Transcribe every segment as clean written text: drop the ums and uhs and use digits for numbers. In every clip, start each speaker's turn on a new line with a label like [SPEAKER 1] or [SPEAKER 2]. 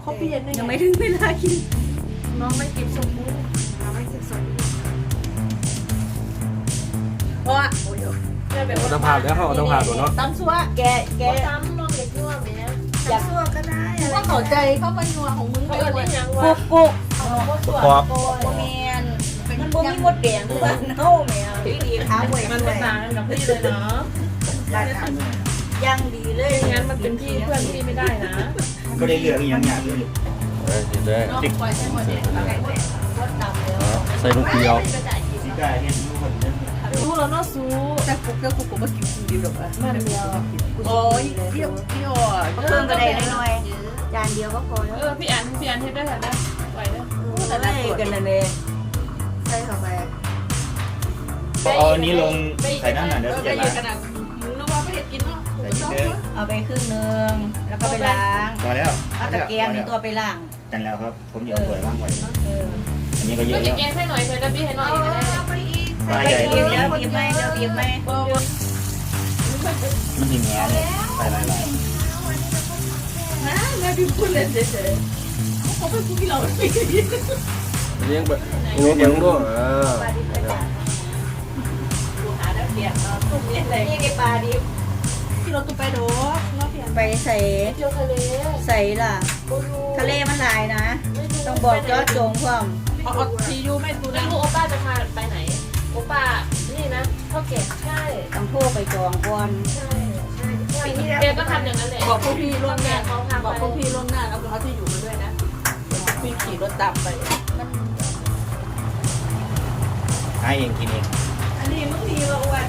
[SPEAKER 1] เขาเปลี่ยน
[SPEAKER 2] ยังไม่ถึงเวลากิน
[SPEAKER 1] น้องไม่เก็บสมบูรณ์น้องไม่เก็บสมบูรณ์เพราะว่าโอ้ย
[SPEAKER 3] ต้องผ่านแล้วเขาต้องผ่านตัวเนาะ
[SPEAKER 1] ตำซัวแก
[SPEAKER 4] ตำน้องเด็กนัวแม่
[SPEAKER 1] อยากซัวก็ได้ว่าเข้าใจเขาเป็นนัวของมึง
[SPEAKER 4] เขา
[SPEAKER 1] เลย
[SPEAKER 4] เรียกยัง
[SPEAKER 2] กุ
[SPEAKER 4] ว่า
[SPEAKER 2] กกุก
[SPEAKER 3] ประกอบ
[SPEAKER 2] โบเมนมันบ่มีมดแดงหรือว่าเน่าแม่ดีดีขาหวย
[SPEAKER 4] มันเป็นต่างกันกับพี่เลยเนาะ
[SPEAKER 2] ยังดีเลย
[SPEAKER 4] ไม่งั้นมันเป็นพี่เพื่อนพี่ไม่ได้นะ
[SPEAKER 5] ก็ได้เลือกอีกอย่างอย่างเลย
[SPEAKER 3] ติดเลย
[SPEAKER 1] ติดปล่อยใช้หมดเลย
[SPEAKER 3] ใส่ลูกเดียว
[SPEAKER 5] สิก้าเห็นทุกคนเนี่ย
[SPEAKER 4] รู้แล้วเนาะซู
[SPEAKER 1] แต่กุ๊กมากินคนเดียวหรอกมันเดียวโอ้ยเที่ยว
[SPEAKER 2] เพิ่มก็ได้น้อยจานเดียวก็พอแล้ว
[SPEAKER 4] พี่อันเฮ็ดได้ค่ะนะไหวนะ
[SPEAKER 2] แต่ได้กันเลยใส่เข้าไป
[SPEAKER 5] เอาอันนี้ลงใส่ด้านหน่อยเดี๋ยว
[SPEAKER 1] จะ
[SPEAKER 5] จะ
[SPEAKER 1] ยื
[SPEAKER 5] ล้าน ง
[SPEAKER 1] ขนาดมึงนึกว่าไม่เห็นกินเนาะ
[SPEAKER 5] ใส่นิดเดียว
[SPEAKER 2] เอาไปครึ่งนึงแล้วก็ไปล้าง
[SPEAKER 5] พอแล้ว
[SPEAKER 2] เอาตะเกียงนี่ตัวไปล้าง
[SPEAKER 5] กันแล้วครับผมจะเอาถ้วยว่างไว้ อันนี้ก็เย
[SPEAKER 4] ก็
[SPEAKER 5] อะ
[SPEAKER 4] จะ
[SPEAKER 5] แล้ว
[SPEAKER 4] แกงให้หน่อยเพื่อนพี่ให้หน่อยก็ได้
[SPEAKER 5] ปลา
[SPEAKER 2] ไป
[SPEAKER 5] ใหญ่
[SPEAKER 2] บีบแล้วบีบไหมเดี๋ยวบีบไหม
[SPEAKER 5] มันหิงแง่เลยใส่หลาย
[SPEAKER 1] นะแม่พี่พูดเล่นเฉยๆเขาเป็นผู้ที่เราไม่ได้ยิน
[SPEAKER 3] เลี้ยงแบบงูเลี้ยงด้วย
[SPEAKER 1] หาแล้วเปลี่ยนตุ้มเนี่ยอะไร
[SPEAKER 2] นี่ในปลาดิบ
[SPEAKER 1] ที่เราตุ้มไปโดดเราเปลี่ยน
[SPEAKER 2] ไปใส่
[SPEAKER 4] เที่ยวทะเล
[SPEAKER 2] ใส่ล่ะทะเลมันหลายนะ ต้องบอกเจาะจงพร้อม
[SPEAKER 1] เอาทียูไม่ตู
[SPEAKER 4] แล้
[SPEAKER 1] นะ
[SPEAKER 4] วโอป้าจะพาไปไหนโอป้านี่นะเท่าแก่ใช่
[SPEAKER 2] ต้องโทรไปจองก่อน
[SPEAKER 4] ใช่แกก็ทำอย่างนั้นแหละ
[SPEAKER 1] บอกพวกพี่ล่วงหน้า
[SPEAKER 4] เขาทำ
[SPEAKER 1] บอกพวกพี่ล่วงหน้าแล้วเขาที่อยู่มาด้วยนะพี่ขี่รถตามไป
[SPEAKER 5] ๆให้เองกินเอง
[SPEAKER 1] อันนี้มึงดีว่ะอ้วน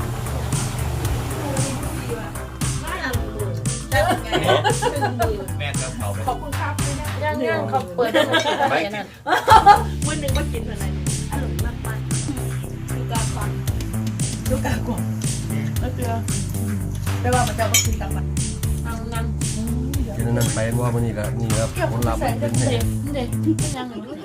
[SPEAKER 1] ได้ไง
[SPEAKER 5] แม่ก็เขาไป
[SPEAKER 1] ขอบคุณครับไม่ได้
[SPEAKER 4] ย่างเขาเปิดให้ไปนั่น
[SPEAKER 1] มื้อนึงมากินอะไรอร่อยมากมากลูกกาฟังลูกกากวางแล้วเจอแต่ว่ามันจะมากินกันมา
[SPEAKER 4] เอานั่น
[SPEAKER 3] กินนั่นไปว่ามันนี่ละนี่ครับผลลัพธ์มันเป็น
[SPEAKER 4] เด็กเป็นยังไง